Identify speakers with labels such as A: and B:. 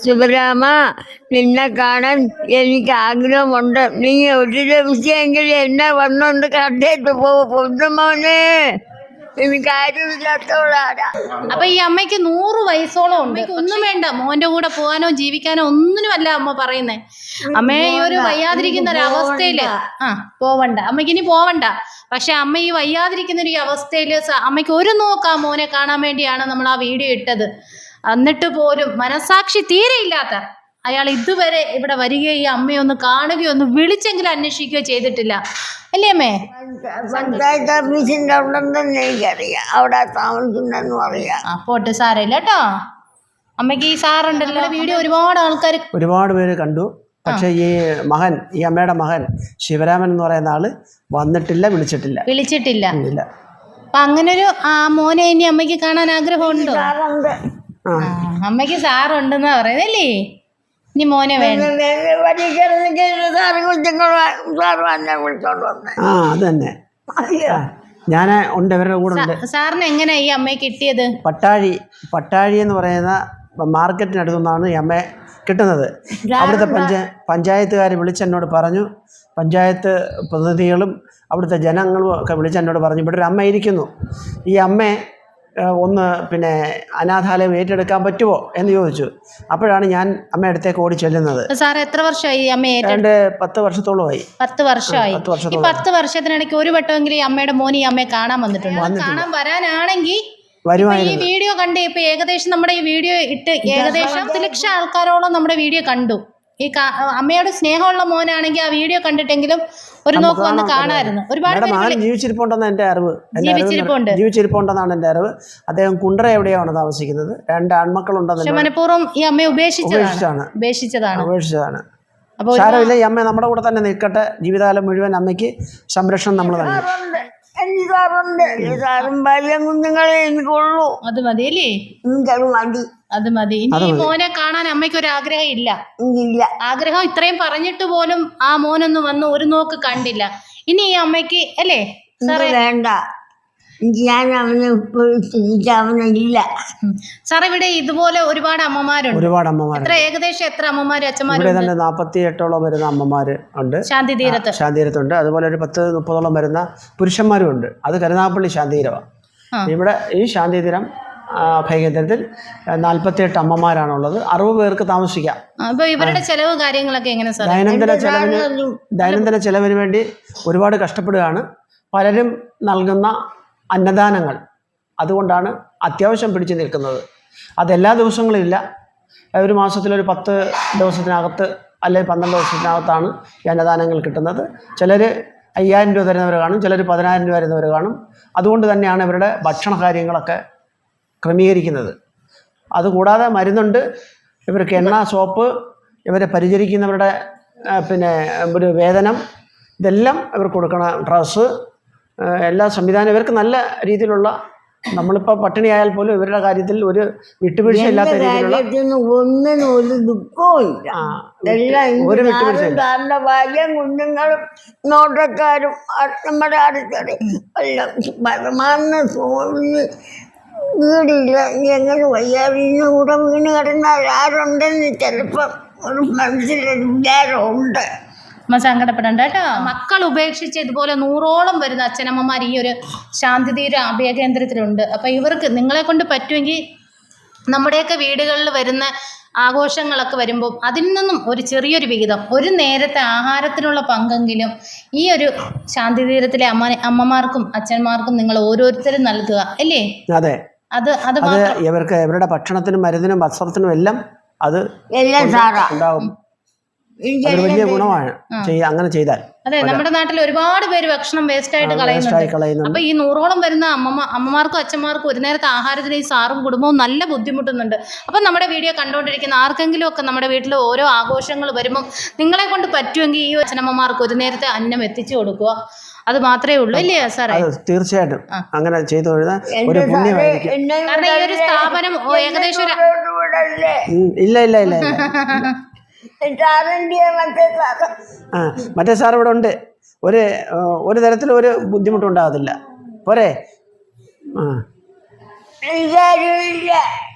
A: ശിവരാമ, നിന്നെ കാണാൻ എനിക്ക് ആഗ്രഹമുണ്ട്. നീ ഒരു ദിവസമെങ്കിലും എന്നെ വന്നോണ്ട് കണ്ടിട്ട് പൊന്നുമോനെ. എനിക്ക് ആരുമില്ലാത്തവളാണ്.
B: അപ്പൊ ഈ അമ്മയ്ക്ക് 100 വയസ്സോളം ഉണ്ട്. ഒന്നും വേണ്ട, മോന്റെ കൂടെ പോകാനോ ജീവിക്കാനോ ഒന്നിനുമല്ല അമ്മ പറയുന്നേ. അമ്മയെ ഈ ഒരു വയ്യാതിരിക്കുന്ന ഒരു അവസ്ഥയില് പോവണ്ട, അമ്മയ്ക്ക് ഇനി പോവണ്ട. പക്ഷെ അമ്മ ഈ വയ്യാതിരിക്കുന്ന ഒരു അവസ്ഥയില് അമ്മയ്ക്ക് ഒരു നോക്കാം മോനെ കാണാൻ വേണ്ടിയാണ് നമ്മൾ ആ വീഡിയോ ഇട്ടത്. എന്നിട്ട് പോലും മനസാക്ഷി തീരെ ഇല്ലാത്ത അയാൾ ഇതുവരെ ഇവിടെ വരികയോ ഈ അമ്മയെ ഒന്ന് കാണുകയോ ഒന്ന് വിളിച്ചെങ്കിലും അന്വേഷിക്കുകയോ ചെയ്തിട്ടില്ല. അല്ലേ അമ്മേ?
A: പഞ്ചായത്ത് ഓഫീസിന്റെ ഉണ്ടെന്ന് എനിക്കറിയാം, അവിടെ താമസിക്കുന്നെന്ന് പറയാം.
B: പോട്ടെ, സാരമില്ല കേട്ടോ. അമ്മയ്ക്ക് ഈ സാറുണ്ടല്ലോ വീഡിയോ ഒരുപാട്
C: പേര് കണ്ടു. പക്ഷെ ഈ അമ്മയുടെ മകൻ ശിവരാമൻ എന്ന് പറയുന്ന ആള് വന്നിട്ടില്ല, വിളിച്ചിട്ടില്ല.
B: അപ്പൊ അങ്ങനൊരു മോനെ ഇനി അമ്മയ്ക്ക് കാണാൻ ആഗ്രഹമുണ്ടോ? അമ്മയ്ക്ക് സാറുണ്ടെന്നാ പറയുന്നല്ലേ. ഇനി മോനെ വേണം.
C: അതന്നെ ഞാൻ ഉണ്ട്, ഇവരുടെ കൂടെ ഉണ്ട്.
B: സാറിന് എങ്ങനെയാ ഈ അമ്മയെ കിട്ടിയത്?
C: പട്ടാഴി എന്ന് പറയുന്ന മാർക്കറ്റിനടുത്തു നിന്നാണ് ഈ അമ്മയെ കിട്ടുന്നത്. അവിടുത്തെ പഞ്ചായത്തുകാർ വിളിച്ചെന്നോട് പറഞ്ഞു, പഞ്ചായത്ത് പ്രതിനിധികളും അവിടുത്തെ ജനങ്ങളും ഒക്കെ വിളിച്ചെന്നോട് പറഞ്ഞു, ഇവിടെ ഒരു അമ്മ ഇരിക്കുന്നു, ഈ അമ്മയെ ഒന്ന് അനാഥാലയം ഏറ്റെടുക്കാൻ പറ്റുമോ എന്ന് ചോദിച്ചു. അപ്പോഴാണ് ഞാൻ അമ്മയുടെ അടുത്തേക്ക് ഓടി ചെല്ലുന്നത്.
B: സാർ എത്ര വർഷമായി അമ്മയെ?
C: 10 വർഷത്തോളമായി.
B: 10 വർഷമായി. ഈ 10 വർഷത്തിനിടയ്ക്ക് ഒരു വട്ടമെങ്കിലും ഈ അമ്മയുടെ മോൻ ഈ അമ്മയെ കാണാൻ വന്നിട്ടുണ്ട്. കാണാൻ വരാനാണെങ്കിൽ ഈ വീഡിയോ കണ്ട് ഇപ്പൊ ഏകദേശം നമ്മുടെ ഈ വീഡിയോ ഇട്ട് ഏകദേശം 10 ലക്ഷം ആൾക്കാരോളം നമ്മുടെ വീഡിയോ കണ്ടു. ഈ അമ്മയോട് സ്നേഹമുള്ള മോനാണെങ്കിൽ ആ വീഡിയോ കണ്ടിട്ടെങ്കിലും ഒരു നോക്ക് വന്ന് കാണാമായിരുന്നു. ഒരുപാട്
C: ജീവിച്ചിരിപ്പുണ്ടെന്നാണ് എൻ്റെ അറിവ്. ജീവിച്ചിരിപ്പുണ്ടെന്നാണ് എൻ്റെ അറിവ്. അദ്ദേഹം കുണ്ടറ എവിടെയാണ് താമസിക്കുന്നത്. 2 ആൺമക്കളുണ്ടെന്ന്.
B: മനഃപൂർവ്വം ഈ അമ്മയെ ഉപേക്ഷിച്ചതാണ്.
C: സാരമില്ല, ഈ അമ്മ നമ്മുടെ കൂടെ തന്നെ നിൽക്കട്ടെ. ജീവിതകാലം മുഴുവൻ അമ്മയ്ക്ക് സംരക്ഷണം നമ്മൾ തന്നെ.
A: സാറും ഭാര്യയും കുഞ്ഞുങ്ങളെ എനിക്കുള്ളൂ.
B: അത് മതി അല്ലേ? അത് മതി. ഇനി ഈ മോനെ കാണാൻ അമ്മയ്ക്ക് ഒരു ആഗ്രഹം ഇല്ല? ആഗ്രഹം ഇത്രയും പറഞ്ഞിട്ട് പോലും ആ മോനൊന്നും വന്ന് ഒരു നോക്ക് കണ്ടില്ല. ഇനി ഈ അമ്മയ്ക്ക് അല്ലേ
A: വേണ്ട, ഞാൻ അവനില്ല.
B: സാർ ഇവിടെ ഇതുപോലെ ഒരുപാട് അമ്മമാരുണ്ട്. ഏകദേശം എത്ര അമ്മമാര് അച്ഛന്മാര്?
C: 48ഓളം വരുന്ന അമ്മമാര് ഉണ്ട്
B: ശാന്തിതീരത്തുണ്ട്.
C: അതുപോലെ ഒരു 10-30ഓളം വരുന്ന പുരുഷന്മാരും ഉണ്ട്. അത് കരുനാഗപ്പള്ളി ശാന്തിതീരമാണ്. ഇവിടെ ഈ ശാന്തിതീരം അഭയകേന്ദ്രത്തിൽ 48 അമ്മമാരാണുള്ളത്. 60 പേർക്ക് താമസിക്കാം.
B: അപ്പൊ ഇവരുടെ ചെലവ് കാര്യങ്ങളൊക്കെ എങ്ങനെ സാർ?
C: ദൈനംദിന ചെലവിന് വേണ്ടി ഒരുപാട് കഷ്ടപ്പെടുകയാണ്. പലരും നൽകുന്ന അന്നദാനങ്ങൾ അതുകൊണ്ടാണ് അത്യാവശ്യം പിടിച്ചു നിൽക്കുന്നത്. അതെല്ലാ ദിവസങ്ങളും ഇല്ല. ഒരു മാസത്തിലൊരു 10 ദിവസത്തിനകത്ത് അല്ലെങ്കിൽ 12 ദിവസത്തിനകത്താണ് ഈ അന്നദാനങ്ങൾ കിട്ടുന്നത്. ചിലർ 5000 രൂപ തരുന്നവർ കാണും, ചിലർ 10000 രൂപ തരുന്നവർ കാണും. അതുകൊണ്ട് തന്നെയാണ് ഇവരുടെ ഭക്ഷണ കാര്യങ്ങളൊക്കെ ക്രമീകരിക്കുന്നത്. അതുകൂടാതെ മരുന്നുണ്ട്, ഇവർക്ക് എണ്ണ, സോപ്പ്, ഇവരെ പരിചരിക്കുന്നവരുടെ ഒരു വേതനം, ഇതെല്ലാം ഇവർക്ക് കൊടുക്കണം. ഡ്രസ്സ്, എല്ലാ സംവിധാനം ഇവർക്ക് നല്ല രീതിയിലുള്ള. നമ്മളിപ്പോൾ പട്ടിണിയായാൽ പോലും ഇവരുടെ കാര്യത്തിൽ ഒരു വിട്ടുവീഴ്ച ഇല്ലാത്ത രീതിയിലുള്ള
A: ഒരു ദുഃഖവും ഇല്ല. ഒരു വിട്ടുവീഴ്ച. ഭാര്യയും കുഞ്ഞുങ്ങളും നോട്ടക്കാരും നമ്മുടെ അടുത്തടെ എല്ലാം പരമാവധി വീടില്ല. എങ്ങനെ വയ്യാതിന് കൂടെ വീണ് കിടന്നാൽ ആരുണ്ടെന്ന് ചിലപ്പം ഒരു മനസ്സിലൊരു വിചാരമുണ്ട്.
B: സങ്കടപ്പെടണ്ട കേട്ടോ. മക്കൾ ഉപേക്ഷിച്ച് ഇതുപോലെ 100ഓളം വരുന്ന അച്ഛനമ്മമാർ ഈ ഒരു ശാന്തിതീര അഭയകേന്ദ്രത്തിലുണ്ട്. അപ്പം ഇവർക്ക് നിങ്ങളെ കൊണ്ട് പറ്റുമെങ്കിൽ നമ്മുടെയൊക്കെ വീടുകളിൽ വരുന്ന ആഘോഷങ്ങളൊക്കെ വരുമ്പോൾ അതിൽ നിന്നും ഒരു ചെറിയൊരു വിഹിതം, ഒരു നേരത്തെ ആഹാരത്തിനുള്ള പങ്കെങ്കിലും ഈ ഒരു ശാന്തിതീരത്തിലെ അമ്മമാർക്കും അച്ഛന്മാർക്കും നിങ്ങൾ ഓരോരുത്തരും നൽകുക അല്ലേ?
C: അതെ, അത് ഇവർക്ക് ഇവരുടെ ഭക്ഷണത്തിനും മരുന്നിനും വസ്ത്രത്തിനും എല്ലാം അത് ഉണ്ടാവും. വലിയ ഗുണമാണ് അങ്ങനെ ചെയ്താൽ.
B: അതെ, നമ്മുടെ നാട്ടിൽ ഒരുപാട് പേര് ഭക്ഷണം വേസ്റ്റ് ആയിട്ട് കളയുന്നുണ്ട്. അപ്പൊ ഈ 100ഓളം വരുന്ന അമ്മമാർക്കും അച്ഛന്മാർക്കും ഒരു നേരത്തെ ആഹാരത്തിന് ഈ സാറും കുടുംബവും നല്ല ബുദ്ധിമുട്ടുന്നുണ്ട്. അപ്പൊ നമ്മുടെ വീഡിയോ കണ്ടുകൊണ്ടിരിക്കുന്ന ആർക്കെങ്കിലും ഒക്കെ നമ്മുടെ വീട്ടിൽ ഓരോ ആഘോഷങ്ങൾ വരുമ്പോൾ നിങ്ങളെ കൊണ്ട് പറ്റുമെങ്കിൽ ഈ അച്ഛനമ്മമാർക്ക് ഒരു നേരത്തെ അന്നം എത്തിച്ചു കൊടുക്കുക. അത് മാത്രമേ ഉള്ളൂ അല്ലേ സാറേ?
C: തീർച്ചയായിട്ടും അങ്ങനെ ചെയ്തു ഒരു പുണ്യമായിരിക്കും.
B: കാരണം ഈ ഒരു സ്ഥാപനം ഏകദേശം
C: ഇല്ല മറ്റേ സാർ ഇവിടെ ഉണ്ട്. ഒരു തരത്തിലും ഒരു ബുദ്ധിമുട്ടുണ്ടാകത്തില്ല. പോരെ?